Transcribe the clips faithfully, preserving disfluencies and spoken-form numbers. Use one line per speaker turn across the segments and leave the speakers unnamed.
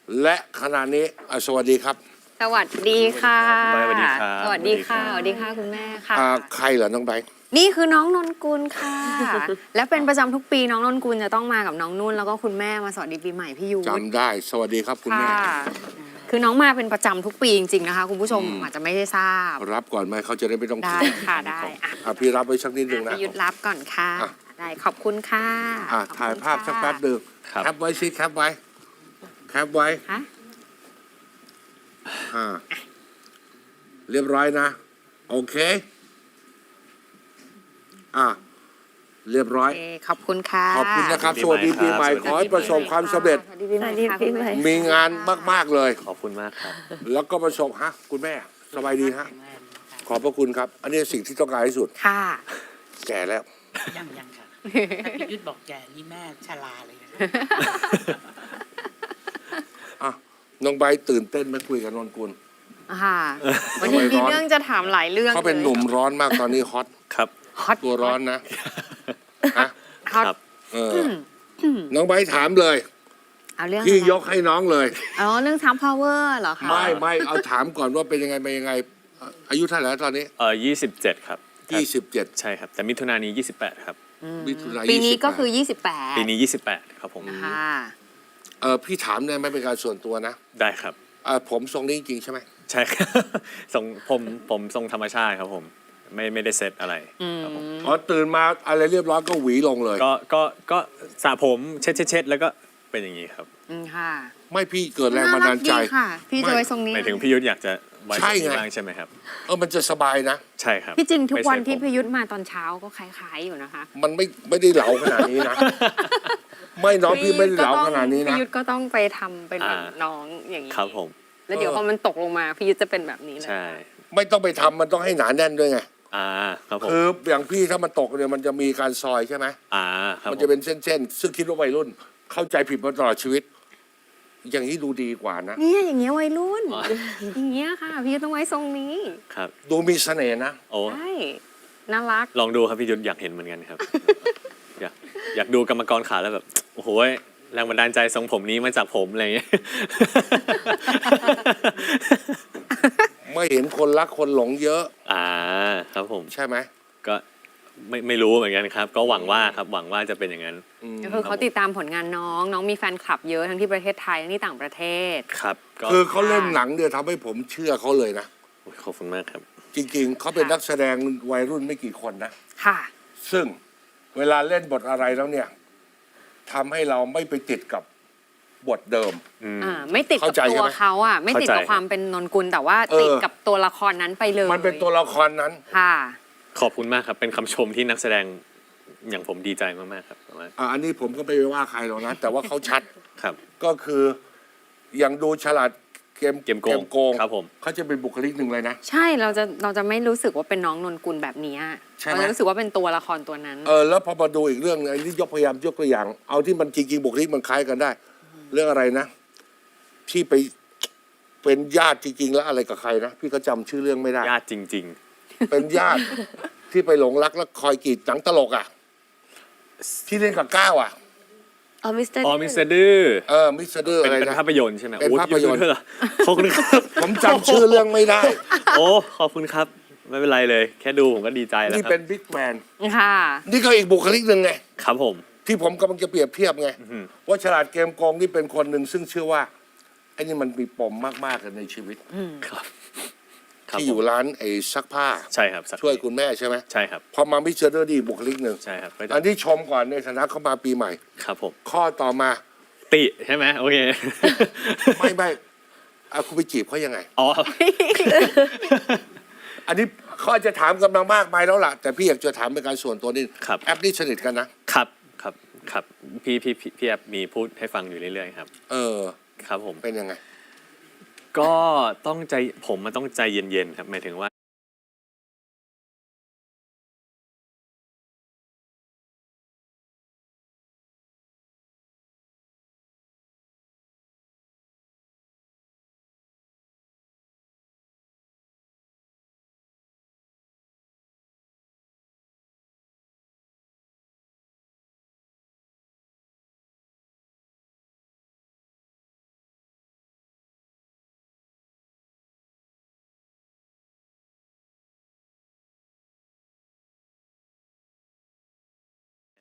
และขณะนี้สวัสดีครับ
สวัสดีค่ะ
สวัสดีครับ
สวัสดีค่ะสวัสดีค่ะคุณแม่ค่ะ
ใครเหรอน้องไบร์ท
นี่คือน้องนนกุลค่ะ และเป็นประจำทุกปีน้องนนกุลจะต้องมากับน้องนุ่นแล้วก็คุณแม่มาสวัสดีปีใหม่พี่ยู
จำได้สวัสดีครับคุณแม่
ค่ะคือน้องมาเป็นประจำทุกปีจริงๆนะคะคุณผู้ชมอาจจะไม่ได้ทราบ
รับก่อนไหมเขาจะได้ไม่ต้อง
ได้ค่ะได้อ่ะ
อ่ะพี่รับไว้สักนิดนึงนะ
พี่ยุทธรับก่อนค่ะ
อ่ะ
ได้ขอบคุณค่ะ
อ่ะ
ขอบคุณ
ถ่ายภาพสักแป๊บ
ค่ะ
หนึ่ง
ครับ
แคปไว้สิแคปไว้แคปไว้
ค่ะ
อ่าเรียบร้อยนะโอเคอ่ะเรียบร้อย
โอเคขอบคุณค่ะ
ขอบคุณนะครับ
ปี
ส
ใหม่
วัสดีปีใหม่
ครับ
ขอให้ประสบความสำเร็จ
สวัสดีปีใหม่ค่ะคุณแม่
มีงานมากๆเลย
ขอบคุณมากครับ
แล้วก็ประสบฮะคุณแม่สบายดีฮะขอบพระคุณครับ อันนี้สิ่งที่ต้องการที่สุด
ค่ะ
แก่แล้ว
ยังยังค่ะถ้าพี่ยุทธบอกแกนี่แม่ชราเลยนะ
อ่ะน้องไบร์ทตื่นเต้นไหมคุยกับนนกุล
ค่ะวันนี้มีเรื่องจะถามหลายเรื่อง
เขาเป็นหนุ่มร้อนมากตอนนี้ฮอต
ครับ
ฮอต
ตัวร้อนนะฮะ
ฮอต
ครับ
เออน้องไบร์ทถามเลย
เอาเรื่อง
พี่
อะไร
ยกให้น้องเลย
อ๋อเรื่องทามพาวเวอร์เหรอคะ
ไม่ไม่เอาถามก่อนว่าเป็นยังไงเป็นยังไงอ่ะอายุเท่าไหร่แล้วตอนนี้
เอ่อยี่สิบเจ็ดครับ
ยี่สิบเจ็ด
ใช่ครับ แต่มิถุนายนนี้ยี่สิบแปดครับ
มิถุนายน
ปีนี้ก็คือ
ยี่สิบ
ยี่สิบแปด
ปีนี้ยี่สิบแปดครับผม
ค่ะ
เออพี่ถามได้ไหมเป็นการส่วนตัวนะ
ได้ครับ
เออผมทรงนี้จริงๆใช่ไหม
ใช่ครับ ทรงผมผมทรงธรรมชาติครับผม ไม่ไม่ได้เซตอะไรครับผม
อ๋อตื่นมาอะไรเรียบร้อยก็หวีลงเลย
ก็ก็ก็สระผมเช็ดเช็ดเช็ดแล้วก็เป็นอย่างนี้ครับ
อืมค่ะ
ไม่พี่เกิดแรงบันดาลใจ
น่รักดีค่ะ พี่
ไม่
จะไว้ทรงนี้
หมายถึงพี่ยุทธอยากจะไว้
ใช่
ตรงนี้
ไง
บ้างใช่ไหมครับ
เออมันจะสบายนะ
ใช่ครับ
พี่จริงทุกวัน
ไม่เซ็ต
ที่
ผม
พี่ยุทธมาตอนเช้าก็คล้ายๆอยู่นะคะ
มันไม่ไม่ได้เหลาขนาดนี้นะ ไม่น้องพี่ไม่ได้เหลาขนาดนี้นะ
พี่ยุทธก็ต้องไปทำเป็นแบบน้องอย่างนี้
ครับผม
แล้วเดี๋ยวพอมันตกลงมาพี่ยุทธจะเป็นแบบนี้เลย
ใช่
ไม่ต้องไปทำมันต้องให้หนาแน่นด้วยไง
อ่าครับผม
คืออย่างพี่ถ้ามันตกเนี่ยมันจะมีการซอยใช่ไหม
อ่าครับ
มัน
ผ
จะ
ม
เป็นเส้นๆซึ่งคิดว่าวัยรุ่น เข้าใจผิดมาตลอดชีวิต อย่างนี้ดูดีกว่านะ
เนี่ยอย่างเงี้ยวัยรุ่น อย่างเงี้ยค่ะ พี่ยุทธต้องไว้ทรงนี้
ครับ
ดูมีเสน่ห์นะ
โอ้
ใช่น่ารัก
ลองดูครับพี่ยุทธอยากเห็นเหมือนกันครับ อยากอยากดูกรรมกรขาแล้วแบบโอ้โหแรงบันดาลใจทรงผมนี้มาจากผมอะไรอย่างเงี้ย
ไม่เห็นคนรักคนหลงเยอะ
อ่าครับผม
ใช่ไหม
ก็ไม่ไม่รู้เหมือนกันครับ ก็หวังว่าครับหวังว่าจะเป็นอย่างนั้น
อืม
ก็คือเขาติดตามผลงานน้อง น้องมีแฟนคลับเยอะทั้งที่ประเทศไทยทั้งที่ต่างประเทศ
ครับก็
คือเขาเล่นหนังเนี่ยทำให้ผมเชื่อเขาเลยนะ
โอ้ยขอบคุณมากครับ
จริงๆ เขาเป็นนักแสดงวัยรุ่นไม่กี่คนนะ
ค่ะ
ซึ่งเวลาเล่นบทอะไรแล้วเนี่ยทำให้เราไม่ไปติดกับบทเดิม
อืม
อ่าไม่ติดกับ
เข้าใจ
ตั
ใช่
ว
ไหม
เขาอ่ะไม่ติดกับ
เข้าใจ
ความเป็นนนกุลแต่ว่า
เออ
ติดกับตัวละครนั้นไปเลย
มันเป็นตัวละครนั้น
ค่ะ
ขอบคุณมากครับ เป็นคำชมที่นักแสดงอย่างผมดีใจมากๆครับประมาณ
อ่าอันนี้ผมก็ไม่ไปว่าใครหรอกนะ แต่ว่าเขาชัด
ครับ
ก็คืออย่างดูฉลาดเกม
เกมโกง
โกง
ครับผม
เขาจะเป็นบุคลิกหนึ่งเลยนะ
ใช่เราจะเราจะไม่รู้สึกว่าเป็นน้องนนกุลแบบนี้
ใช่ไหม
เราจะรู้สึกว่าเป็นตัวละครตัวนั้น
เออแล้วพอมาดูอีกเรื่องหนึ่งอันนี้ยกพยายามยกตัวอย่าง เอาที่มันจริงๆบุคลิกมันคล้ายกันได้ เรื่องอะไรนะ ที่ไปเป็นญาติจริง ๆ แล้วอะไรกับใครนะพี่ก็จำชื่อเรื่องไม่ได้
ญาติจริง
เป็นญาติ ที่ไปหลงรักแล้วคอยกรีดหนังตลกอ่ะ ที่เล่นกับก้าวอ่ะ
อ๋อมิสเตอร์
ๆ อ๋อมิสเตอร์ดื้อ
เออมิสเตอร์
เป็น
อะไร
เป็น
นะ
ภาพยนตร์ใช่ไหม
เป็น
โอ้
ภาพยนตร์
เอะเหรอขอบคุณครับ
ผมจำชื่อเรื่องไม่ได้
โอ้ขอบคุณครับ ไม่เป็นไรเลย แค่ดูผมก็ดีใจแล้ว
นี่
ครั
เป็
บ
นบิ๊กแมน
ค่ะ
นี่ก็อีกบุคลิกหนึ่งไง
ครับผม
ที่ผมกำลังจะเปรียบเทียบไง
อื้อหือ
ว่าฉลาดเกมโกงนี่เป็นคนหนึ่งซึ่งเชื่อว่าไอ้นี่มันมีปมมากๆกันในชีวิต
ครับครับ
ที่
ผ
อยู่
ม
ร้านไอ้ซักผ้า
ใช่ครับสัก
ช่วยคุณแม่ใช่ไหม
ใช่ครับ
พอมามิสเตอร์ดีบุคลิกหนึ่ง
ใช่ครับก็จะ
อันที่ชมก่อนในฐานะเขามาปีใหม่
ครับผม
ข้อต่อมา
ติใช่ไหมโอเค
ไม่ไม่เอาคุณไปจีบเขายังไง
อ๋อ
อันนี้เขาอาจจะถามกำลังมากมายแล้วล่ะ แต่พี่อยากจะถามเป็นการส่วนตัวนี่
ครับ
แอปนี่สนิทกันนะ
ครับครับครับพี่พี่พี่พี่แอบมีพูดให้ฟังอยู่เรื่อยๆครับ
เออ
ครับผม
เป็นยังไง
ก็ต้องใจผมมันต้องใจเย็นๆครับหมายถึงว่า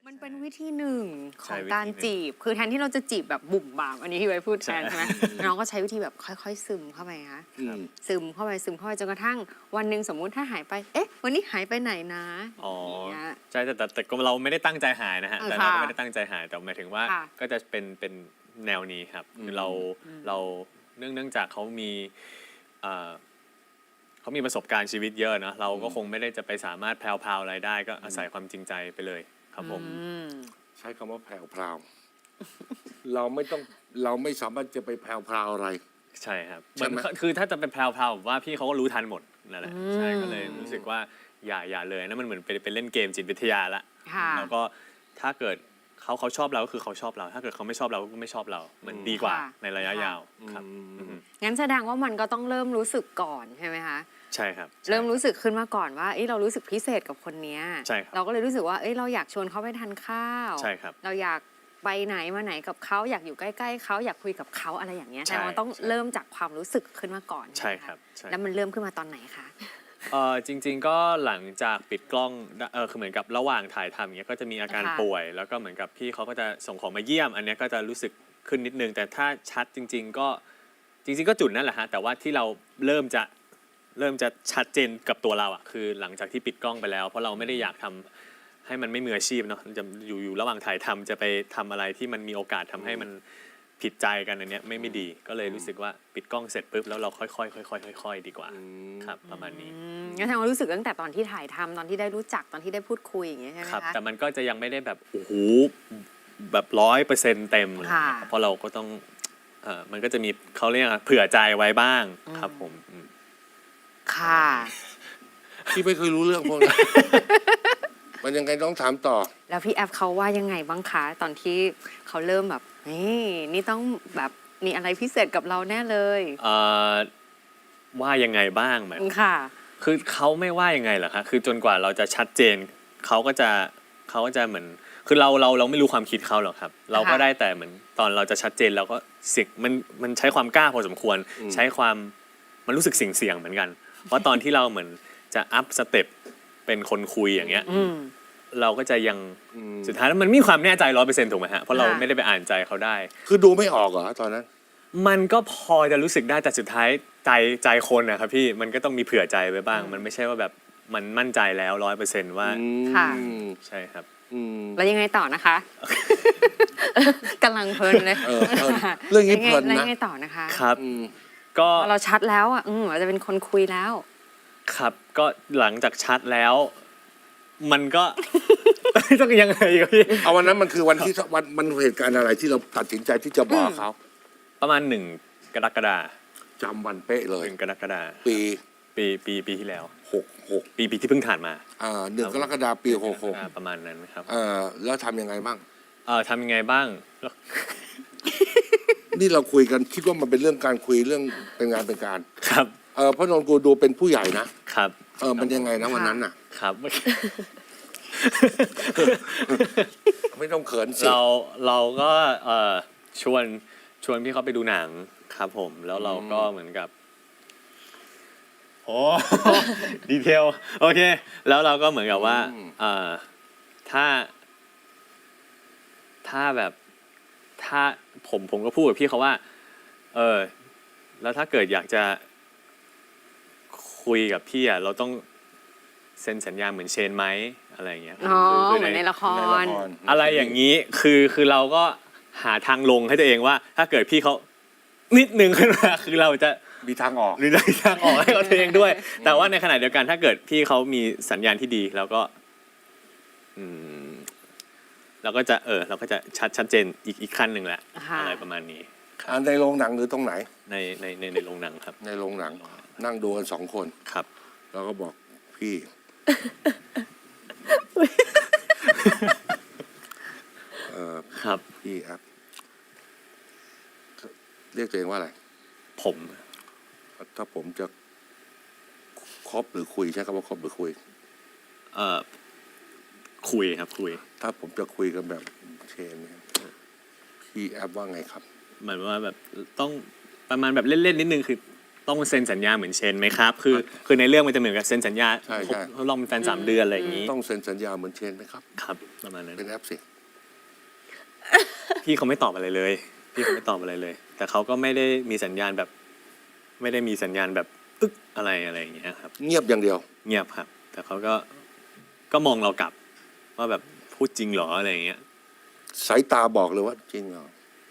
มันเป็นวิธีหนึ่งข
ใช่
อง
วิธี
การ
หนึ่ง
จีบ คือแทนที่เราจะจีบแบบบุ่มบาม อันนี้พี่ไว้พูดแทน
ใช่
ใช่ไหม น้องก็ใช้วิธีแบบค่อยๆ ซึมเข้าไปคะ
อืม
ซึมเข้าไปซึมเข้าไปจนกระทั่งวันหนึ่งสมมุติถ้าหายไป เอ๊ะ วันนี้หายไปไหนนะ
อ๋อ
อย่างเงี้ย
ใช่แต่แต่แต่ก็เราไม่ได้ตั้งใจหายนะฮะ
เออ
แต่เราก็
ค่ะ
ไม่ได้ตั้งใจหายแต่หมายถึงว่า
ค่ะ
ก็จะเป็นเป็นแนวนี้ครับคือเราเราเนื่องเนื่องจากเขามีเอ่อเขามีประสบการณ์ชีวิตเยอะเนอะเราก็คงไม่ได้จะไปสามารถแพรวๆอะไรได้ ก็อาศัยความจริงใจไปเลยครับผม
อืม
ใช้คำว่าแพรวพราวเราไม่ต้องเราไม่สามารถจะไปแพรวพราวอะไร
ใช่ครับ
ใช่ไหม
มันคือถ้าจะเป็นแพรวๆผมว่าพี่เขาก็รู้ทันหมดนั่นแหละ
อืม
ใช่ก็เลยรู้สึกว่าอย่าอย่าเลยนั่นมันเหมือนเป็นเป็นเล่นเกมจิตวิทยาละ
ค่ะ
แล้วก็ถ้าเกิดเขาเขาชอบเราก็คือเขาชอบเรา ถ้าเกิดเขาไม่ชอบเราก็ไม่ชอบเรา มันดีกว่า
ค่ะ
ในระยะ
ค่ะ
ยาวครับอืม
งั้นแสดงว่ามันก็ต้องเริ่มรู้สึกก่อนใช่ไหมคะ
ใช่ครับ
เริ่มรู้สึกขึ้นมาก่อนว่าเอ้ยเรารู้สึกพิเศษกับคนเนี้ย
ใช่ครับ
เราก็เลยรู้สึกว่าเอ้ยเราอยากชวนเขาไปทานข้าว
ใช่ครับ
เราอยากไปไหนมาไหนกับเขาอยากอยู่ใกล้ๆเขาอยากคุยกับเขาอะไรอย่างเงี้ย
ใช่
แต่มันต้อง
ใช่
เริ่มจากความรู้สึกขึ้นมาก่อน
ใช่
ไหมะ
ครับใช่
แล้วมันเริ่มขึ้นมาตอนไหนคะ
เออจริง ๆ ก็หลังจากปิดกล้องเออคือเหมือนกับระหว่างถ่ายทำอย่างเงี้ยก็จะมีอาการ
ค่ะ
ป่วย แล้วก็เหมือนกับพี่เขาก็จะส่งของมาเยี่ยม อันเนี้ยก็จะรู้สึกขึ้นนิดนึง แต่ถ้าชัดจริง ๆ ก็จริง ๆ ก็จุดนั่นแหละฮะแต่ว่าที่เราเริ่มจะเริ่มจะชัดเจนกับตัวเราอ่ะคือหลังจากที่ปิดกล้องไปแล้ว เพราะเราไม่ได้อยากทำให้มันไม่มืออาชีพเนาะจะอยู่อยู่ระหว่างถ่ายทำจะไปทำอะไรที่มันมีโอกาสทำให้มันผิดใจกันอันเนี้ยไม่ไม่ดีก็เลยรู้สึกว่าปิดกล้องเสร็จปุ๊บแล้วเราค่อยๆค่อยๆค่อยๆดีกว่าครับประมาณนี้
อืมงั้นแสดงว่ารู้สึกตั้งแต่ตอนที่ถ่ายทำตอนที่ได้รู้จักตอนที่ได้พูดคุยอย่างเงี้ยใช่ไหม
ครับ
คะ
แต่มันก็จะยังไม่ได้แบบโอ้โหแบบร้อยเปอร์เซ็นต์เต็มเลย
ค่ะ
นะครับเพราะเราก็ต้องเออมันก็จะมีเขาเรียกอะไรเผื่อใจไว้บ้างครับผมอืม
ค่ะ
พี่ไม่เคยรู้เรื่องพวกนั้น มันยังไงต้องถามต่อ
แล้วพี่แอฟเขาว่ายังไงบ้างคะตอนที่เขาเริ่มแบบนี่นี่ต้องแบบมีอะไรพิเศษกับเราแน่เลย
เอ่อว่ายังไงบ้างไหม
ค่ะ
คือเขาไม่ว่ายังไงเหรอคะคือจนกว่าเราจะชัดเจนเขาก็จะเขาก็จะเหมือนคือเราเราเราไม่รู้ความคิดเขาหรอกครับ เราก็
ค่ะ
ได้แต่เหมือนตอนเราจะชัดเจนเราก็สิ่งมันมันใช้ความกล้าพอสมควร
อืม
ใช้ความมันรู้สึกเสี่ยงเสี่ยงๆเหมือนกัน เพราะตอนที่เราเหมือนจะอัพสเต็ปเป็นคนคุยอย่างเงี้ย
อืม
เราก็จะยัง
อืม
สุดท้ายแล้วมันไมมีความแน่ใจร้อยเปอร์เซ็นต์ถูกไหมฮะเพราะเรา
ค่ะ
ไม่ได้ไปอ่านใจเขาได้
คือดูไม่ออกเหรอตอนนั้น
มันก็พอจะรู้สึกได้แต่สุดท้ายใจใจคนนะครับพี่มันก็ต้องมีเผื่อใจไว้บ้าง มันไม่ใช่ว่าแบบมันมั่นใจแล้วร้อยเปอร์เซ็นต์ว่า
ค่ะ
ใช่ครับ
อืม
แล้วยังไงต่อนะคะ กำลังเพลินเลย
เออเพลินเรื่องนี้เพลินนะ
แล้วยังไงต่อนะคะ
ครับ
อืม
ก็
พอเราชัดแล้วอ่ะอืมเราจะเป็นคนคุยแล้ว
ครับก็หลังจากชัดแล้ว มันก็ ต้องยังไงครับพี่
เอาวันนั้นมันคือวันที่วันมันเหตุการณ์อะไรที่เราตัดสินใจที่จะบอกเขา
ประมาณหนึ่งกรกฎา
จำวันเป๊ะเลย
หนึ่งกรกฎา
ปี
ปีปีปีที่แล้ว
หกหก
ปีปีที่เพิ่งผ่านมา
อ่าหนึ่งกรกฎาคมปีหกหก
อ่าประมาณนั้นครับ
เออแล้วทำยังไงบ้าง
เอ่อทำยังไงบ้าง
นี่เราคุยกันคิดว่ามันเป็นเรื่องการคุยเรื่องเป็นงานเป็นการ
ครับ
เออเพราะนนกูดูเป็นผู้ใหญ่นะครับ เออมันยังไงนะวันนั้นน่ะ
ครับ
ไม่ต้องเขินสิ
เราเราก็เอ่อชวนชวนพี่เขาไปดูหนังครับผม แล้วเราก็เหมือนกับโอ้ ดีเทลโอเค แล้วเราก็เหมือนกับว่าเอ่อถ้า ถ้าแบบถ้าผมผมก็พูดกับพี่เขาว่า เออ แล้วถ้าเกิดอยากจะคุยกับพี่อ่ะเราต้องเซ็นสัญญาเหมือนเชนไหมอะไรอย่างเงี้ย
อ๋อ
คืคื
เหมือนในละค
ใน
ร
ละคร
อะไรอย่างนี้คือคือเราก็หาทางลงให้ตัวเองว่า ถ้าเกิดพี่เขานิดนึงขึ้นมาคือเราจะ
มีทางออก
หรือได้ทางออกให้กับตัวเองด้วย แต่ว่าในขณะเดียวกันถ้าเกิดพี่เขามีสัญญาณที่ดีแล้วก็ อืมเราก็จะเออ เราก็จะชัดชัดเจนอีกอีกขั้นหนึ่งแหละ
ค่ะ
อะไรประมาณนี้
อ่าในโรงหนังหรือตรงไหน
ในในในในโรงหนังครับ
ในโรงหนัง นั่งดูกันสองคน
ครับ
แล้วก็บอกพี่ เออ
ครับ
พี่ครับ เรียกตัวเองว่าอะไร
ผม
ถ้าผมจะคบหรือคุยใช้คำว่าคบหรือคุย
เอ่อคุยครับคุย
ถ้าผมจะคุยกันแบบเชนเนี่ยพี่แอปว่าไงครับ
หมายว่าแบบต้องประมาณแบบเล่นๆนิดนึงคือต้องเซ็นสัญญาเหมือนเชนไหมครับคือคือในเรื่องมันจะเหมือนกับเซ็นสัญญา
ใช่ใช่
ทดลองเป็นแฟนสามเดือนอะไรอย่างนี้
ต้องเซ็นสัญญาเหมือนเชนไหมครับ
ครับประมาณนั้น
เป็นแอปสิ
พี่เขาไม่ตอบอะไรเลยพี่เขาไม่ตอบอะไรเลย แต่เขาก็ไม่ได้มีสัญญาณแบบ ไม่ได้มีสัญญาณแบบอึ๊กอะไรอะไรอย่างเงี้ยครับ
เงียบอย่างเดียว
เงียบครับ แต่เขาก็ก็มองเรากลับว่าแบบพูดจริงเหรออะไรอย่างเงี้ย
สายตาบอกเลยว่าจริงเหรอ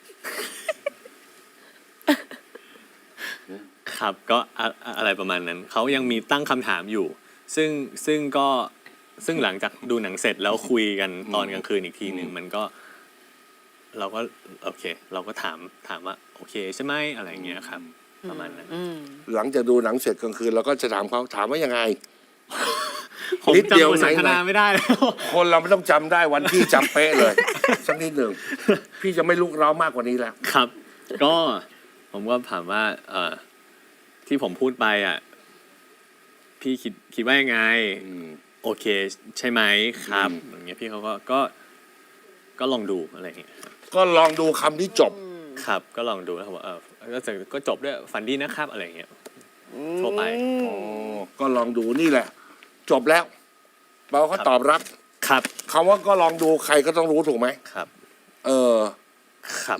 ครับก็อะอะอะไรประมาณนั้นเขายังมีตั้งคำถามอยู่ ซึ่งซึ่งก็ซึ่งหลังจากดูหนังเสร็จแล้วคุยกันตอนกลางคืนอีกทีหนึ่งมันก็ เราก็โอเค เราก็ถามถามว่าโอเคใช่ไหมอะไรอย่างเงี้ยครับ ประมาณนั้น
อืม
หลังจากดูหนังเสร็จกลางคืนเราก็จะถามเขาถามว่ายังไง
ผม
นิดเดียว
จำบทสนทนา
ไหนๆ
ไม่ได้แล้ว
คนเราไม่ต้องจำได้วันที่จำเป๊ะเลย สักนิดหนึ่งพี่จะไม่ลุกเร้ามากกว่านี้แล้ว
ครับ ก็ผมก็ถามว่า เอ่อที่ผมพูดไปอ่ะ พี่คิดคิดว่ายังไง
อืม
โอเค ใช่ไหมครับ
อืม
อย่างเงี้ยพี่เขาก็ก็ ก็ลองดูอะไรอย่างเงี้ยครับ
ก็ลองดูคำที่จบ
ครับ ก็ลองดูแล้วผมว่าเออก็จะก็จบด้วยฝันดีนะครับอะไรอย่างเงี้ยทั่วไป
อ๋อ ก็ลองดูนี่แหละ จบแล้วเราก็ตอบรับ
ครับ
คำว่าก็ลองดูใครก็ต้องรู้ถูกไหม
ครับ
เออ
ครับ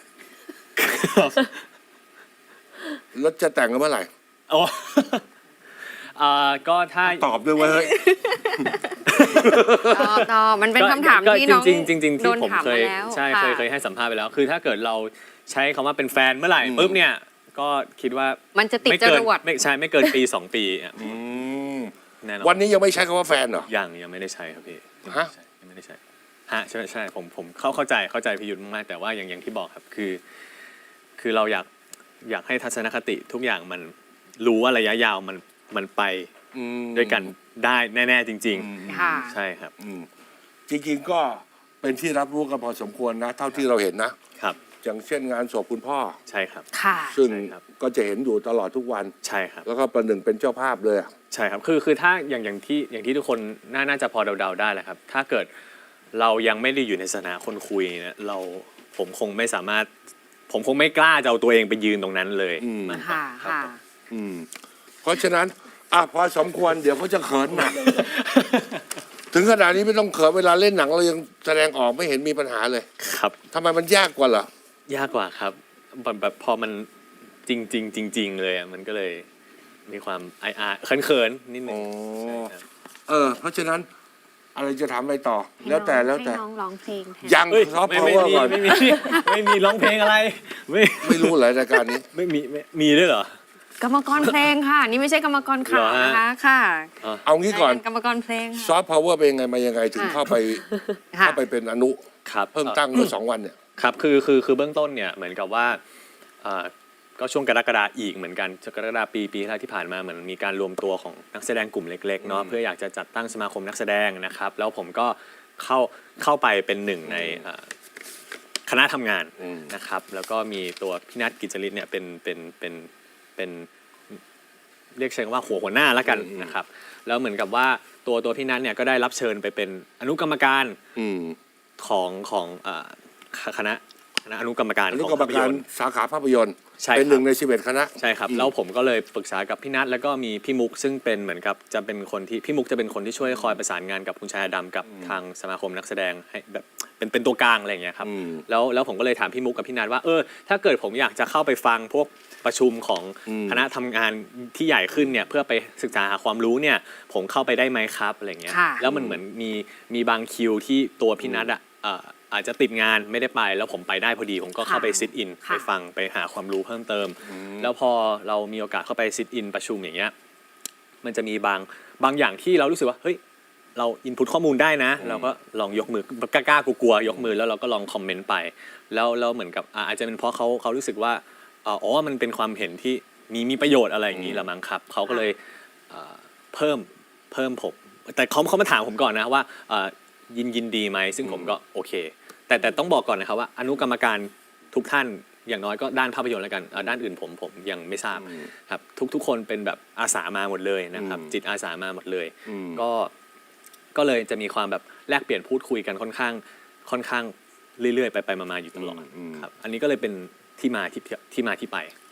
แล้วจะแต่งกันเมื่อไหร่
โอ้ อ่าก็ถ้า
ตอบด้วยเว่าเฮ้ย
ตอบตอบมันเป็นคำถาม
ก็
ที่น้อง
จริงๆจริงๆ
โด
ที่
น
ผม
ถาม
เค
มาย แล้ว
ใช่
ะ
เคยเคยให้สัมภาษณ์ไปแล้ว คือถ้าเกิดเราใช้คำว่าเป็นแฟนเมื่อไหร่
อืม
ปุ๊บเนี่ย ก็คิดว่า
มันจะติด
ไม่
จ
เกิน
รวด
ไม่ใช่ไม่เกินปีสองปีอ่ะ
อืม
แน่นอน
วันนี้ยังไม่ใช้คำว่าแฟนเหรอ
ยังยังไม่ได้ใช้ครับพี่
ฮะ
ยังไม่ได้ใช้ฮะใช่ใช่ผมผมเข้าเข้าใจเข้าใจพิยุทธ์มากๆแต่ว่าอย่างอย่างที่บอกครับคือ คือเราอยากอยากให้ทัศนคติทุกอย่างมันรู้ว่าระยะยาวมันมันไป
อืม
ด้วยกันได้แน่ๆจริง
อืม
ค่ะ
ๆ ใช่ครับ
อืมจริงๆก็เป็นที่รับรู้กันพอสมควรนะ เท่าที่เราเห็นนะ
ครับ
อย่างเช่นงานศพคุณพ่อ
ใช่ครับ
ค่ะ
ซึ่ง
ใช่ครับ
ก็จะเห็นอยู่ตลอดทุกวัน
ใช่ครับ
แล้วก็ประหนึ่งเป็นเจ้าภาพเลยอะ
ใช่ครับ คือ คือ ถ้า อย่าง อย่างที่ อย่างที่ทุกคนน่าน่าจะพอเดาๆได้แหละครับ ถ้าเกิดเรายังไม่ได้อยู่ในสถานะคนคุยเนี่ยเรา ผมคงไม่สามารถ ผมคงไม่กล้าจะเอาตัวเองไปยืนตรงนั้นเลย
อืม
มัน
ค่ะ
รับ
ค่ะ
ผม
อืมเพราะฉะนั้นอ่ะพอสมควรเดี๋ยวเขาจะเขินหนัก ถึงขนาดนี้ไม่ต้องเขินเวลาเล่นหนังเรายังแสดงออกไม่เห็นมีปัญหาเลย
ครับ
ทำไมมันยากกว่าเหรอ
ยากกว่าครับ แบบแบบพอมันจริงจริงจริง ๆ เลยอ่ะ มันก็เลยมีความอายๆเขินๆนิดนึง
อ๋อ
ใช่ครับ
เออ เพราะฉะนั้นอะไรจะถามอะไรต่อ แล้วแต่แล้วแต่
ให้น้องร้องเพลงแทน
ยัง
เฮ้ย
ซอฟต์
ไม่
พาว
ไม่
เวอร์
มี
ก่อน
ไม่มี ไม่มีร้องเพลงอะไร ไม่
ไม่รู้เลยรายการนี้
ไม่มีไม่มีด้วยเหรอ
กรรมกรเพลงค่ะ นี่ไม่ใช่กรรมกรข่าว
เหรอฮะ
นะคะค่ะ
เอางี้ก่อน
กรรมกรเพลง
ซอฟต์พาวเวอร์เป็นยังไงมายังไงถึง
ค่ะ
เข้าไป
ค่ะ
เข้าไปเป็นอนุ
ครับ
เพิ่งตั้งเมื่อสองวันเนี่ย
ครับ คือ คือ คือเบื้องต้นเนี่ย เหมือนกับว่าเอ่อก็ช่วงกรกฎาอีกเหมือนกันกรกฎาปีปีที่แล้วที่ผ่านมาเหมือนมีการรวมตัวของนักแสดงกลุ่มเล็กๆเนาะ
อืม
เพื่ออยากจะจัดตั้งสมาคมนักแสดงนะครับ แล้วผมก็เข้าเข้าไปเป็นหนึ่งในเอ่อคณะทำงาน
อืม
นะครับ แล้วก็มีตัวพี่นัทกิจจริตเนี่ยเป็นเป็นเป็นเป็นเรียกเชิงว่าหัวหัวหน้าแล้วกันนะครับ แล้วเหมือนกับว่าตัวตัวพี่นัทเนี่ยก็ได้รับเชิญไปเป็นอนุกรรมการ
อืม
ของของเอ่อคณะคณะอนุกรรมการ
อนุ
ของ
กรรม
ภาพ
กาย ร
นตร์
สาขาภาพยนตร์
ใช่
เป็น
ครับ
หนึ่งในสิบเอ็ดคณะ
ใช่ครับ
อืม
แล้วผมก็เลยปรึกษากับพี่นัทแล้วก็มีพี่มุกซึ่งเป็นเหมือนกับจะเป็นคนที่พี่มุกจะเป็นคนที่ช่วยคอยประสานงานกับคุณชายอดำกับทางสมาคมนักแสดงให้แบบเป็นเป็นตัวกลางอะไรอย่างเงี้ยครับ
อืม
แล้วแล้วผมก็เลยถามพี่มุกกับพี่นัทว่าเออถ้าเกิดผมอยากจะเข้าไปฟังพวกประชุมของ
อืม
คณะทำงานที่ใหญ่ขึ้นเนี่ยเพื่อไปศึกษาหาความรู้เนี่ยผมเข้าไปได้ไหมครับอะไรเงี้ย
ค่ะ
แล้วมันเหมือนมีมีบางคิวที่ตัวพี่นัทอ่ะเอ่ออาจจะติดงานไม่ได้ไปแล้วผมไปได้พอดีผมก็เข้าไปซิทอิน
ค่ะ
ไปฟังไปหาความรู้เพิ่มเติม แล้วพอเรามีโอกาสเข้าไปซิทอินประชุมอย่างเงี้ยมันจะมีบางบางอย่างที่เรารู้สึกว่าเฮ้ยเราอินพุตข้อมูลได้นะ เราก็ลองยกมือกล้าๆกลัวๆยกมือแล้วเราก็ลองคอมเมนต์ไป แล้วแล้วเหมือนกับอ่าอาจจะเป็นเพราะเขาเขารู้สึกว่าอ๋อมันเป็นความเห็นที่มีมีประโยชน์อะไรอย่างนี้ละมั้งครับเขาก็เลยเอ่อเพิ่มเพิ่มผมแต่เขาเขามาถามผมก่อนนะว่าเอ่อยินยินดีไหมซึ่งผมก็โอเค แต่แต่ต้องบอกก่อนนะครับว่าอนุกรรมการทุกท่านอย่างน้อยก็ด้านภาพยนตร์แล้วกันเอ่อด้านอื่นผมผมยังไม่ทราบครับทุกทุกคนเป็นแบบอาสามาหมดเลยนะครับ
อืม
จิตอาสามาหมดเลย
อืม
ก็ก็เลยจะมีความแบบแลกเปลี่ยนพูดคุยกันค่อนข้างค่อนข้างเรื่อยๆไปไปมาๆอยู่ตลอด
อืม
ครับอันนี้ก็เลยเป็นที่มาที่ที่มาที่ไป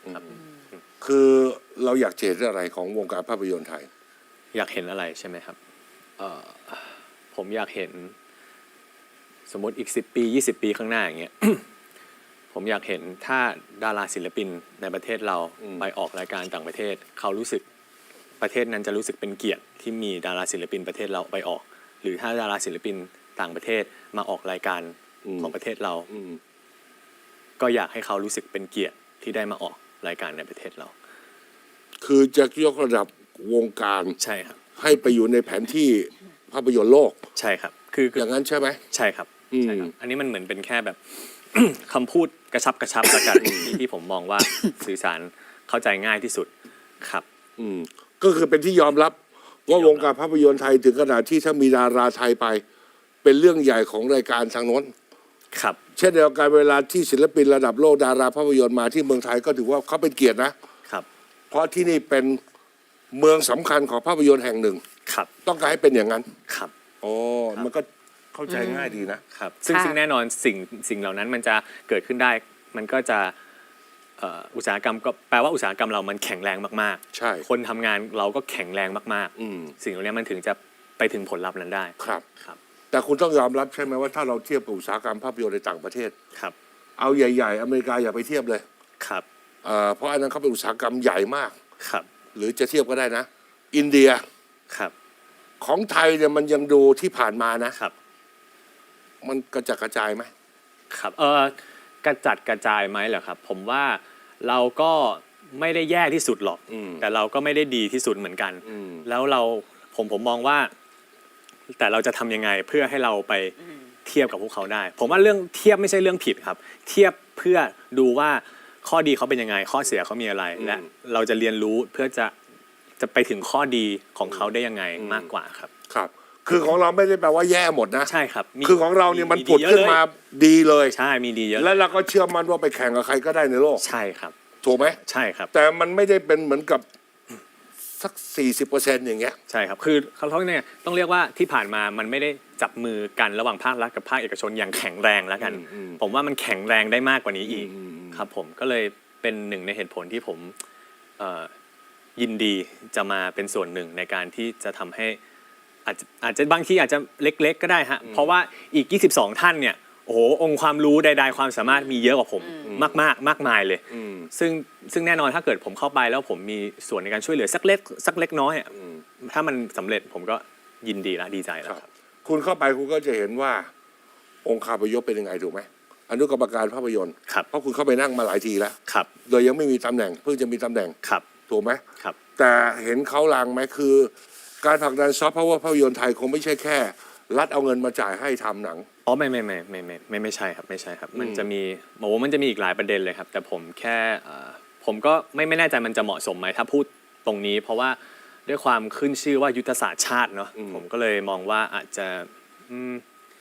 ครับ
คือเราอยากเห็นอะไรของวงการภาพยนตร์ไทย
อยากเห็นอะไรใช่ไหมครับเอ่อผมอยากเห็นสมมติอีกสิบปียี่สิบปีข้างหน้าอย่างเงี้ย ผมอยากเห็นถ้าดาราศิลปินในประเทศเรา
อืม
ไปออกรายการต่างประเทศ เขารู้สึกประเทศนั้นจะรู้สึกเป็นเกียรติที่มีดาราศิลปินประเทศเราไปออก หรือถ้าดาราศิลปินต่างประเทศมาออกรายการของประเทศเรา
อืม
ก็อยากให้เขารู้สึกเป็นเกียรติที่ได้มาออกรายการในประเทศเรา
คือจะยกระดับวงการ
ใช่ครับ
ให้ไปอยู่ในแผนที่ภาพยนตร์โลก
ใช่ครับคือคือ
อย่างนั้นใช่ไหม
ใช่ครับ
อืม
ใช่ครับ อันนี้มันเหมือนเป็นแค่แบบ คำพูดกระชับกระชับละกัน ที่ที่ผมมองว่า สื่อสารเข้าใจง่ายที่สุดครับ
อืมก็คือเป็นที่ยอมรับว่าวงการภาพยนตร์ไทยถึงขนาดที่ถ้ามีดาราไทยไป เป็นเรื่องใหญ่ของรายการทางโน้น
ครับ
เช่นเดียวกันเวลาที่ศิลปินระดับโลกดาราภาพยนตร์มาที่เมืองไทยก็ถือว่าเขาเป็นเกียรตินะ
ครับ
เพราะที่นี่เป็นเมืองสำคัญของภาพยนตร์แห่งหนึ่ง
ครับ
ต้องการให้เป็นอย่างนั้น
ครับ
โอ้มันก็เข้าใจง่ายดีนะ
ครับซึ่ง
ค่ะ
ซึ่งแน่นอนสิ่งสิ่งเหล่านั้นมันจะเกิดขึ้นได้ มันก็จะเอ่ออุตสาหกรรมก็แปลว่าอุตสาหกรรมเรามันแข็งแรงมาก
ใช่
ๆ คนทำงานเราก็แข็งแรงมาก
อืม
ๆ สิ่งเหล่านี้มันถึงจะไปถึงผลลัพธ์นั้นได้
ครับ
ครับ
แต่คุณต้องยอมรับใช่ไหมว่าถ้าเราเทียบกับอุตสาหกรรมภาพยนตร์ในต่างประเทศ
ครับ
เอาใหญ่ๆอเมริกาอย่าไปเทียบเลย
ครับ
เอ่อเพราะอันนั้นเขาเป็นอุตสาหกรรมใหญ่มาก
ครับ
หรือจะเทียบก็ได้นะ อินเดีย
ครับ
ของไทยเนี่ยมันยังดูที่ผ่านมานะ
ครับ
มันกระจัดกระจายไหม
ครับเออกระจัดกระจายไหมเหรอครับ ผมว่าเราก็ไม่ได้แย่ที่สุดหรอก
อืม
แต่เราก็ไม่ได้ดีที่สุดเหมือนกัน
อืม
แล้วเราผมผมมองว่า แต่เราจะทำยังไงเพื่อให้เราไปเทียบกับพวกเขาได้ ผมว่าเรื่องเทียบไม่ใช่เรื่องผิดครับ เทียบเพื่อดูว่าข้อดีเขาเป็นยังไง ข้อเสียเขามีอะไร และเราจะเรียนรู้เพื่อจะจะไปถึงข้อดีของเขาได้ยังไงมากกว่าครับ
ครับ คือของเราไม่ได้แปลว่าแย่หมดนะ
ใช่ครับมี
คือของเราเนี่ยมัน
มี
ผุด
เยอะ
ขึ้นมา
เลย
ดีเลย
ใช่มีดีเยอะ
และเราก็เชื่อมั่นว่าไปแข่งกับใครก็ได้ในโลก
ใช่ครับ
ถูกไหม
ใช่ครับ
แต่มันไม่ได้เป็นเหมือนกับสักสี่สิบเปอร์เซ็นต์อย่างเงี้ย
ใช่ครับ คือเขาเขาเนี่ยต้องเรียกว่าที่ผ่านมามันไม่ได้จับมือกันระหว่างภาครัฐกับภาคเอกชนอย่างแข็งแรงแล้วกัน
อืมอืม
ผมว่ามันแข็งแรงได้มากกว่านี้อีก
อืมอืม
ครับผมก็เลยเป็นหนึ่งในเหตุผลที่ผมเอ่อยินดีจะมาเป็นส่วนหนึ่งในการที่จะทำให้อาจจะอาจจะบางทีอาจจะเล็กๆก็ได้ฮะเพราะว่าอีกยี่สิบสองท่านเนี่ยโอ้โหองค์ความรู้ใดๆความสามารถมีเยอะกว่าผมมากๆมากมายเลย
อืม
ซึ่งซึ่งแน่นอนถ้าเกิดผมเข้าไปแล้วผมมีส่วนในการช่วยเหลือสักเล็กสักเล็กน้อยอะ
อืม
ถ้ามันสำเร็จผมก็ยินดีและดีใจแล้วครับ
คุณเข้าไปคุณก็จะเห็นว่า องค์คาพยพเป็นยังไงถูกไหมอนุกรรมการภาพยนตร์
ครับ
เพราะคุณเข้าไปนั่งมาหลายทีแล้ว
ครับ
โดยยังไม่มีตำแหน่งเพิ่งจะมีตำแหน่ง
ครับ
ถูกไหม
ครับ
แต่เห็นเขาลางไหมคือ การผลักดันซอฟต์พาวเวอร์ภาพยนตร์ไทยคงไม่ใช่แค่ รัฐเอาเงินมาจ่ายให้ทำหนัง
อ๋อไม่ไม่ไม่ไม่ไม่ไม่ไม่ใช่ครับไม่ใช่ครับ มัน
อืม
จะมีโอ้มันจะมีอีกหลายประเด็นเลยครับ แต่ผมแค่เอ่อผมก็ไม่ไม่แน่ใจมันจะเหมาะสมไหมถ้าพูดตรงนี้ เพราะว่าด้วยความขึ้นชื่อว่ายุทธศาสตร์ชาติเนาะผมก็เลยมองว่าอาจจะอืม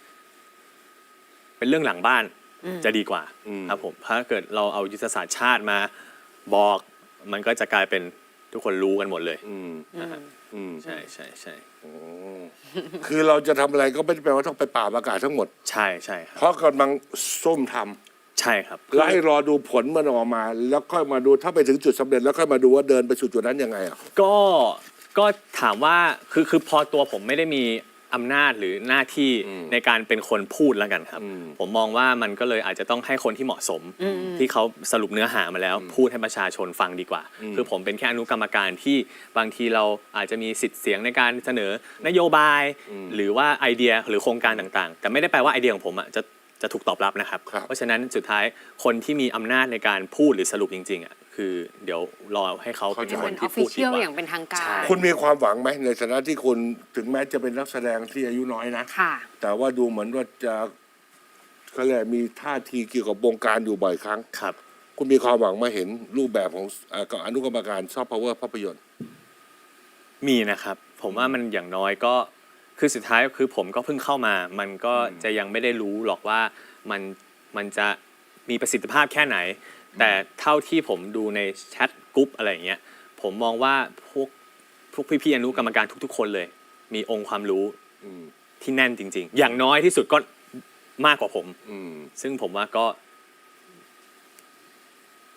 เป็นเรื่องหลังบ้านจะดีกว่า
อืม
ครับผมถ้าเกิดเราเอายุทธศาสตร์ชาติมาบอก มันก็จะกลายเป็นทุกคนรู้กันหมดเลย
อืม
นะฮะ
อืม
ใช่ใช่ใช่
โอ้คือเราจะทำอะไรก็ไม่ได้แปลว่าต้องไปป่าบอากาศทั้งหมด
ใช่ใช่ครับ
เพราะกำลังส้มทำ
ใช่ครับ
แล้วให้รอดูผลมันออกมา แล้วค่อยมาดูถ้าไปถึงจุดสำเร็จแล้วค่อยมาดูว่าเดินไปสู่จุดนั้นยังไงอ่ะ
ก็ก็ถามว่าคือคือพอตัวผมไม่ได้มีอำนาจหรือหน้าที่
อืม
ในการเป็นคนพูดแล้วกันครับ
อืม
ผมมองว่ามันก็เลยอาจจะต้องให้คนที่เหมาะสม ที่เขาสรุปเนื้อหามาแล้ว พูดให้ประชาชนฟังดีกว่า
อืม
คือผมเป็นแค่อนุกรรมการที่บางทีเราอาจจะมีสิทธิ์เสียงในการเสนอนโยบาย หรือว่าไอเดียหรือโครงการต่างๆ แต่ไม่ได้แปลว่าไอเดียของผมอ่ะจะจะถูกตอบรับนะครับ
ครับ
เพราะฉะนั้นสุดท้ายคนที่มีอำนาจในการพูดหรือสรุปจริงๆอ่ะคือเดี๋ยวรอให้เขาเป็น
เข้าใจ
คน
เป็นอ
ที่
อฟ
พู
ฟิ
ดดี
เชียล
กว่า
อย่างเป็นทางกา
ใช่
ร
คุณมีความหวังไหมในฐานะที่คุณถึงแม้จะเป็นนักแสดงที่อายุน้อยนะ
ค่ะ
แต่ว่าดูเหมือนว่าจะเขาเรียกมีท่าทีเกี่ยวกับวงการอยู่บ่อยครั้ง
ครับ
คุณมีความหวังมาเห็นรูปแบบของเอ่ออนุกรรมการซอฟต์พาวเวอร์ภาพยนตร์
มีนะครับ ผมว่ามันอย่างน้อยก็คือสุดท้ายคือผมก็เพิ่งเข้ามา มันก็จะยังไม่ได้รู้หรอกว่ามันมันจะมีประสิทธิภาพแค่ไหน แต่เท่าที่ผมดูในแชทกรุ๊ปอะไรอย่างเงี้ยผมมองว่าพวกพวกพี่ๆอนุกรรมการทุกๆ คนเลย มีองค์ความรู้
อืม
ที่แน่นจริง ๆ อย่างน้อยที่สุดก็มากกว่าผม
อืม
ซึ่งผมว่าก็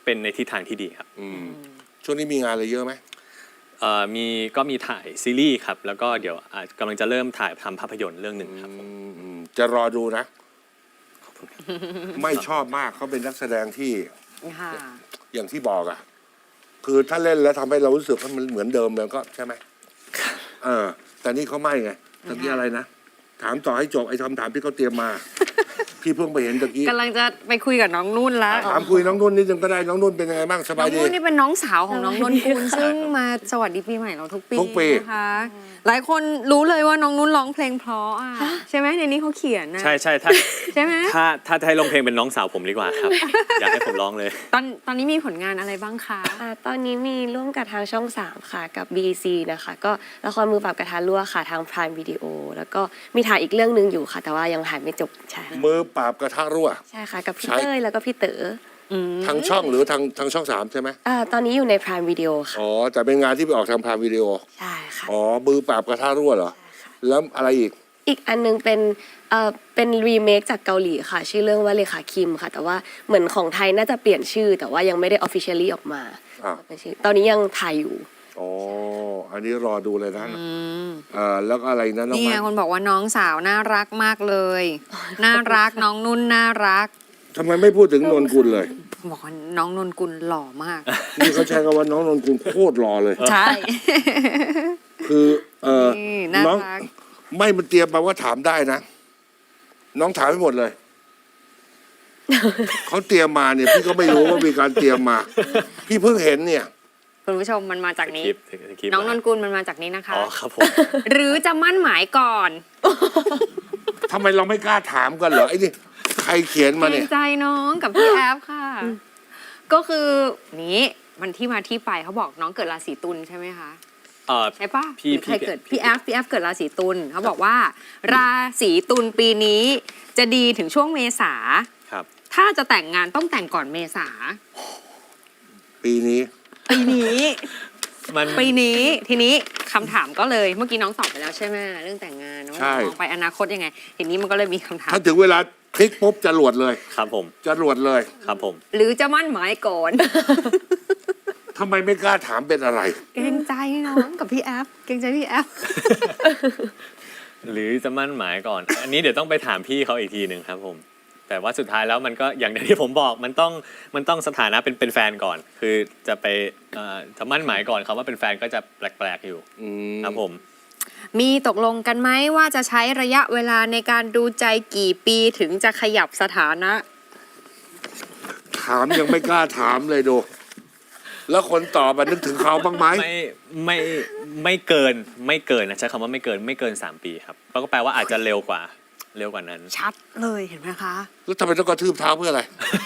เป็นในทิศทางที่ดีครับ
อืมช่วงนี้มีงานอะไรเยอะไหม
เอ่อมีก็มีถ่ายซีรีส์ครับแล้วก็เดี๋ยวอาจกำลังจะเริ่มถ่ายทำภาพยนตร์เรื่องหนึ่งครับผม
อืมอืมจะรอดูนะ ไม่ชอบมากเขาเป็นนักแสดงที่
ค่ะ
อย่างที่บอกอะคือถ้าเล่นแล้วทำให้เรารู้สึกว่ามันเหมือนเดิมแล้วก็ใช่ไหมเออ แต่นี่เขาไม่ไงตะกี้อะไรนะ ถามต่อให้จบไอ้คำถามที่เขาเตรียมมา พี่เพิ่งไปเห็นตะกี้
กำลังจะไปคุยกับน้องนุ่นแล้ว
ถามคุยน้องนุ่นนิดนึงก็ได้น้องนุ่นเป็นยังไงบ้างส
น้
บา
อย ง
ดี
นุ่นนี่เป็นน้องสาวของน้องนนกุลซึ่งมาสวัสดีปีใหม่เราทุกปี
ทุกปี
นะคะหลายคนรู้เลยว่าน้องนุ่นร้องเพลงเพราะอ่ะใช่ไหมในนี้เขาเขียนนะ
ใช่ใช่ถ้า
ใช่ไหม
ถ้าถ้าจะให้ร้องเพลงเป็นน้องสาวผมดีกว่าครับ อยากให้ผมร้องเลย
ตอนตอนนี้มีผลงานอะไรบ้างคะ
อ่าตอนนี้มีร่วมกับทางช่องสามค่ะกับ บี ซี นะคะก็ละครมือปราบกระทะรั่วค่ะทาง Prime Video แล้วก็มีถ่ายอีกเรื่องหนึ่งอยู่ค่ะ แต่ว่ายังถ่ายไม่จบใช่ค่ะ
มือปราบกระทะรั่ว
ใช่ค่ะกับพี่
ใช่
เต้ยแล้วก็พี่เต๋อ
อืม
ทางช่องหรือทางทางช่องสามใช่ไหม
อ่าตอนนี้อยู่ใน Prime Video ค่ะ
อ๋อแต่เป็นงานที่ไปออกทางพาวิดีโอ
ใช่ค่ะ
อ๋อมือปราบกระทะรั่วเหรอแล้วอะไรอีก
อีกอันนึงเป็นเอ่อเป็นรีเมคจากเกาหลีค่ะ ชื่อเรื่องว่าเลขาคิมค่ะ แต่ว่าเหมือนของไทยน่าจะเปลี่ยนชื่อ แต่ว่ายังไม่ได้ officially ออกมา
อ่ะ
เป็นชื่อตอนนี้ยังถ่ายอยู่
อ๋ออันนี้รอดูเลยนะ
อืม
เอ่อแล้วก็อะไรนะน้อง
นี่ไง
มัน
คนบอกว่าน้องสาวน่ารักมากเลย น่ารักน้องนุ่นน่ารัก
ทำไมไม่พูดถึงนนกุลเลย
บอกว่าน้องนนกุลหล่อมาก
นี่เขาใช้คำว่าน้องนนกุลโคตรรอเลย
ใช่
คือเออ
นี่น่า
น้อง
รัก
ไม่มันเตรียมมาว่าถามได้นะ น้องถามให้หมดเลย เขาเตรียมมาเนี่ย พี่ก็ไม่รู้ว่ามีการเตรียมมา พี่เพิ่งเห็นเนี่ย
คุณผู้ชมมันมาจากนี้
คลิปคลิป
น้องนนกุลมันมาจากนี้นะคะ
อ๋อครับผม
หรือจะมั่นหมายก่อน
ทำไมเราไม่กล้าถามกันเหรอไอ้นี่ใครเขียนมา
เกร
เนี่
ง
ย
ใจน้องกับพี่แอฟค่ะ ก็คือนี้มันที่มาที่ไปเขาบอกน้องเกิดราศีตุลใช่ไหมคะ
เอ่อ
ใช่ปะ
พี่
หรือใคร
พี่
เกิดพี่แอฟพี่แอฟเกิดราศีตุลเขาบอกว่า ราศีตุลปีนี้จะดีถึงช่วงเมษา
ครับ
ถ้าจะแต่งงานต้องแต่งก่อนเมษา
ปีนี้
ปีนี้
มัน
ปีนี้ทีนี้คำถามก็เลยเมื่อกี้น้องตอบไปแล้วใช่ไหมเรื่องแต่งงานว่า
ใช่
มองไปอนาคตยังไง ทีนี้มันก็เลยมีคำถาม
ถ้าถึงเวลาคลิกปุ๊บจะรวดเลย
ครับผม
จะรวดเลย
ครับผม
หรือจะมั่นหมายก่อน
ทำไมไม่กล้าถามเป็นอะไร
เกรงใจน้องกับพี่แอฟเกรงใจพี่แอฟ
หรือจะมั่นหมายก่อน อันนี้เดี๋ยวต้องไปถามพี่เขาอีกทีหนึ่งครับผม แต่ว่าสุดท้ายแล้วมันก็อย่างที่ผมบอกมันต้องมันต้องสถานะเป็นเป็นแฟนก่อน คือจะไปเอ่อจะมั่นหมายก่อนคำว่าเป็นแฟนก็จะแปลกๆอยู่
อืม
ครับผม
มีตกลงกันไหมว่าจะใช้ระยะเวลาในการดูใจกี่ปีถึงจะขยับสถานะ
ถามยังไม่กล้าถามเลยดู แล้วคนตอบอะนึกถึงเขาบ้างไหม
ไม่ไม่ไม่เกินไม่เกินนะใช้คำว่าไม่เกินไม่เกินสามปีครับก็แปลว่าอาจจะเร็วกว่าเร็วกว่านั้น
ชัดเลยเห็นไหมคะ
แล้วทำไมต้องกระทืบเท้าเพื่ออะไร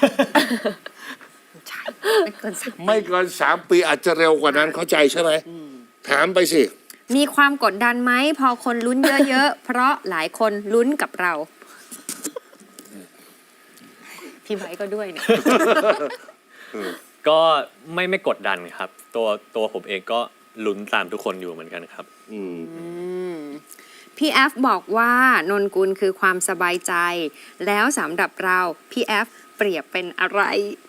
ใช่ไม่เกินสาม
ไม่เกินสามปีอาจจะเร็วกว่านั้นเข้าใจใช่ไหมถามไปสิ
มีความกดดันไหมพอคนลุ้นเยอะๆ เพราะหลายคนลุ้นกับเรา พี่ไบร์ทก็ด้วยเนี่ย
ก็ไม่ไม่กดดันครับ ตัวตัวผมเองก็ลุ้นตามทุกคนอยู่เหมือนกันครับ
อืม
พี่แอฟบอกว่านนกุลคือความสบายใจ แล้วสำหรับเราพี่แอฟเปรียบเป็นอะไร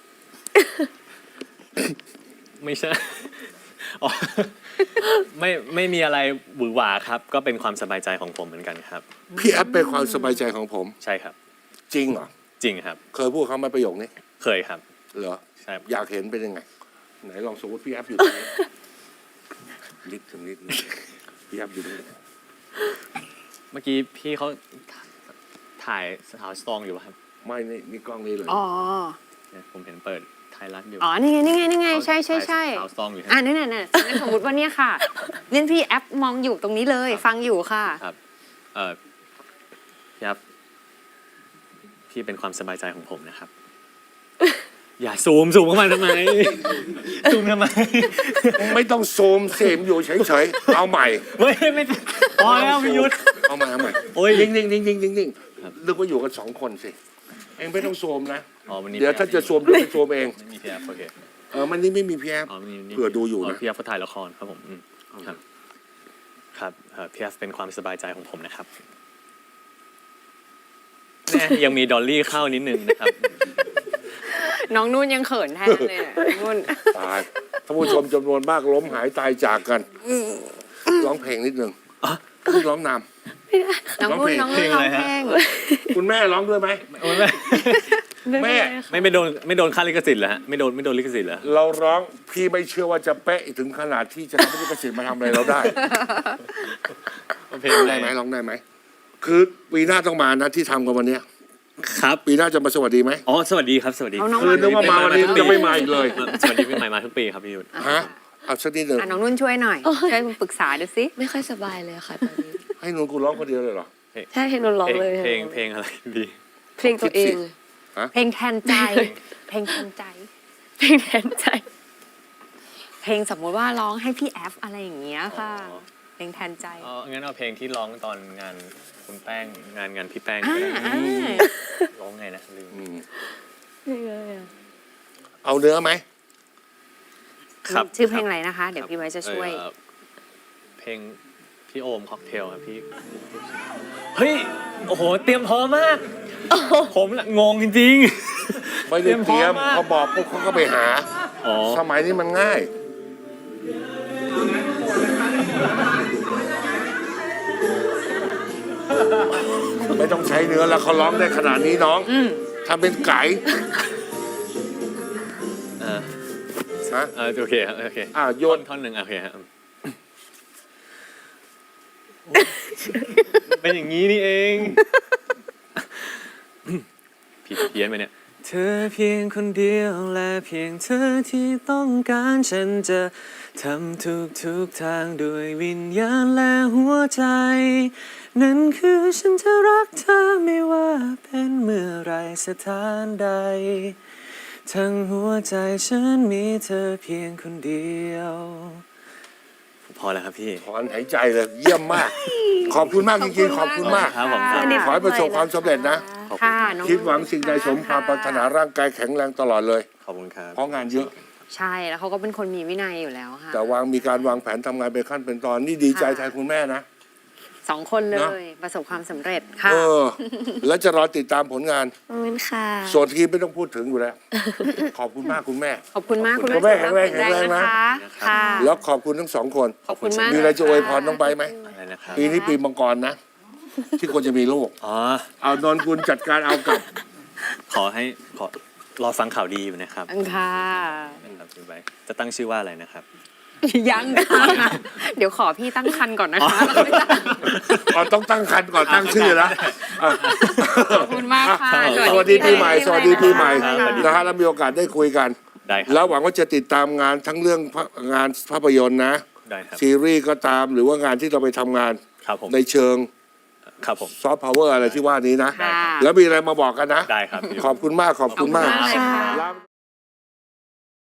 ไม่ใช่ อ๋อไม่ไม่มีอะไรหวือหวาครับ ก็เป็นความสบายใจของผมเหมือนกันครับ
พี่แอปเป็นความสบายใจของผม
ใช่ครับ
จริงเหรอ
จริงครับ
เคยพูดเขาไหมาประโยคนี้
เคยครับ
เหรอ
ใช่
อยากเห็นเป็นยังไง ไหนลองสมมติพี่แอปอยู่ตรงนี้ นิดถึงนิดนึงพี่แอปอยู่ตรงนี้
เมื่อกี้พี่เขาถ่ายสาวสตรองอยู่ป่ะครับ
ไม่นี่นี่กล้องนี้เลย
อ๋อ
เนี่ยผมเห็นเปิดไทยรัฐอยู่
อ๋อ นี่ไง นี่ไง นี่ไง ใช่ใช่ใช่
สาวสตรองอยู่
อ่านี่นี่นี่งั้นสมมติว่าเนี่ยค่ะเล่นพี่แอปมองอยู่ตรงนี้เลย ฟังอยู่ค่ะ
ครับ เอ่อพี่ครับพี่เป็นความสบายใจของผมนะครับ อย่าซูมซูมเข้ามาทำไม ซูมทำไม
ไม่ต้องโซมเสมอยู่เฉยๆ เอาใหม่
ไม่ไม่พอแล้วพี่ยุทธ
เอาใหม่เอาใหม่
โอ้ย
นิ่งนิ่งนิ่งนิ่งนิ่งนิ่ง
ครับ
นึกว่าอยู่กันสองคนสิ เองไม่ต้องโซมนะ
อ๋อวันนี้
เดี๋ยวถ้าจะโซมเดี๋ยวไปโซมเอง
ไม่มีพี่แอฟโอเค
เออ มันนี่ไม่มีพี่แอป
อ๋อวันนี้
เผื่อดูอยู่นะ
พี่แอฟเขาถ่ายละครครับผมอืมครับ ครับเอ่อพี่แอฟเป็นความสบายใจของผมนะครับแน่ยังมีดอลลี่เข้านิดนึงนะครับ
น้องนุ่นยังเขินแทนเลยอะน้องนุ่น
ตายท่านผู้ชมจำนวนมากล้มหายตายจากกันร้องเพลงนิดหนึ่งร้องน
น้องนุ่นน้องนุ่นร้องเพลง
ำคุณแม่ร้องด้วยไหม
โอ้ยไม่
แม่
ไม่ไม่โดนไม่โดนค่าลิขสิทธิ์เหรอฮะไม่โดนไม่โดนลิขสิทธิ์เหรอ
เราร้องพี่ไม่เชื่อว่าจะเป๊ะถึงขนาดที่จะทำให้ลิขสิทธิ์มาทำอะไรเราได้
เพลง
ร้อง
อะไร
ได้ไหมร้องได้ไหมคือปีหน้าต้องมานะที่ทำกันวันเนี้ย
ครับ
ปีหน้าจะมาสวัสดีไหม
อ๋อสวัสดีครับสวัสดี
เอาน้อง
คือนึกว่ามาวันนี้จะไม่มาอีกเลย
สวัสดีปีใหม่มาทุกปีครับพี่ยุทธ
ฮะเอาสักนิดหนึ่ง
อ่ะน้องนุ่นช่วยหน่อย ช่วยปรึกษาดูสิ
ไม่ค่อยสบายเลยค่ะตอนนี้
ให้นุ่นกูร้องคนเดียวเลยเหรอ
ใช่เพลงนนร้อง
เพลง
เลย
เพลงเพลงอะไรดี
เพลงตัวเอง
เพลงแทนใจ เพลงแทนใจ
เพลงแทนใจ
เพลงสมมติว่าร้องให้พี่แอฟอะไรอย่างเงี้ยค่ะ เพลงแทนใจ
อ๋องั้นเอาเพลงที่ร้องตอนงานคุณแป้งงานงานพี่แป้ง
อ่า
ก็ได้
อ่า
ร้องไงนะลืม
อืม
ยังไงอะ
เอาเนื้อไหม
ครับ
ชื่อเพลงอะไรนะคะ เดี๋ยวพี่ไว้จะช่วย
เอ่อเพลงพี่โอมค็อกเทลครับพี่เฮ้ยโอ้โหเตรียมพร้อมมากผมละงงจริง
ไม่ได้เตรียม
เตรียมพร้อมมาก
เขาบอกปุ๊บเขาก็ไปหา
ๆอ๋อ
สมัยนี้มันง่าย ไม่ต้องใช้เนื้อแล้วเขาร้องได้ขนาดนี้น้อง
อืม
ทำเป็นไก่
อ่า
ฮะ
อ่าโอเคครับโอเค
อ่าโย
ท่อน
น
ท่อนหนึ่งโอเคครับเป็นอย่างนี้นี่เอง ผิดเพี้ยนไปเนี่ย เธอเพียงคนเดียวและเพียงเธอที่ต้องการฉันจะทำทุกทุกๆทางด้วยวิญญาณและหัวใจ นั่นคือฉันจะรักเธอไม่ว่าเป็นเมื่อไรสถานใด ทั้งหัวใจฉันมีเธอเพียงคนเดียวพอแล้วครับพี่
ถอนหายใจเลยเยี่ยมมาก ขอบคุณมากจริงๆ ขอบคุณมาก
ครับผมครับ
ขอให้ประสบความสำเร็จนะ
ค่ะน้อง
คิดหวังสิ่งใดสมความปรารถนาร่างกายแข็งแรงตลอดเลย
ขอบคุณครับ
เพราะงานเยอะ
ใช่แล้วเขาก็เป็นคนมีวินัยอยู่แล้วค่ะ
แต่วางมีการวางแผนทำงานเป็นขั้นเป็นตอนนี่ดีใจแทนคุณแม่นะ
สองคนเล
เนอะ
ย ประสบความสำเร็จค่ะ
เออ แล้วจะรอติดตามผลงาน
ขอบคุณค่ะ
ส่วนทีมไม่ต้องพูดถึงอยู่แล้ว ขอบคุณมากคุณแม่
ขอบคุณมาก
ขอบคุ
คุณ
ณแม่แข็งแรงแข็งแรงนะ
นะคะค่ะ
แล้วขอบคุณทั้งสองคน
ขอบคุณมาก
มีอะไรจะอวยพรน้องใบร์ทไหม
อะไรนะครับ
ปีนี้ปีมังกรนะ ที่ควรจะมีลูก
อ๋อ
เอานนกุลจัดการเอากลับ
ขอให้ขอรอฟังข่าวดีอยู่นะครับ
อังค่ะ
นะครับคุณไบร์ทจะตั้งชื่อว่าอะไรนะครับ
ยังค่ะเดี๋ยวขอพี่ตั้งคันก่อนนะคะ
อ๋อต้องตั้งคันก่อนตั้งชื่อนะอ่ะ
ขอบคุณมากค่ะ
สวัสดีปีใหม่ สวัสดีปีใหม่
ครับสวัสดี
นะฮะแล้วมีโอกาสได้คุยกัน
ได้ครับ
แล้วหวังว่าจะติดตามงานทั้งเรื่องภางานภาพยนตร์นะ
ได้ครับ
ซีรีส์ก็ตามหรือว่างานที่เราไปทำงาน
ครับผม
ในเชิง
ครับผม
ซอฟต์พาวเวอร์อะไรที่ว่านี้นะ
ค่ะ
แล้วมีอะไรมาบอกกันนะ
ได้ครับพี่
ขอบคุณมากขอบคุณมาก
ขอบคุณมากเลยค่ะ
ลา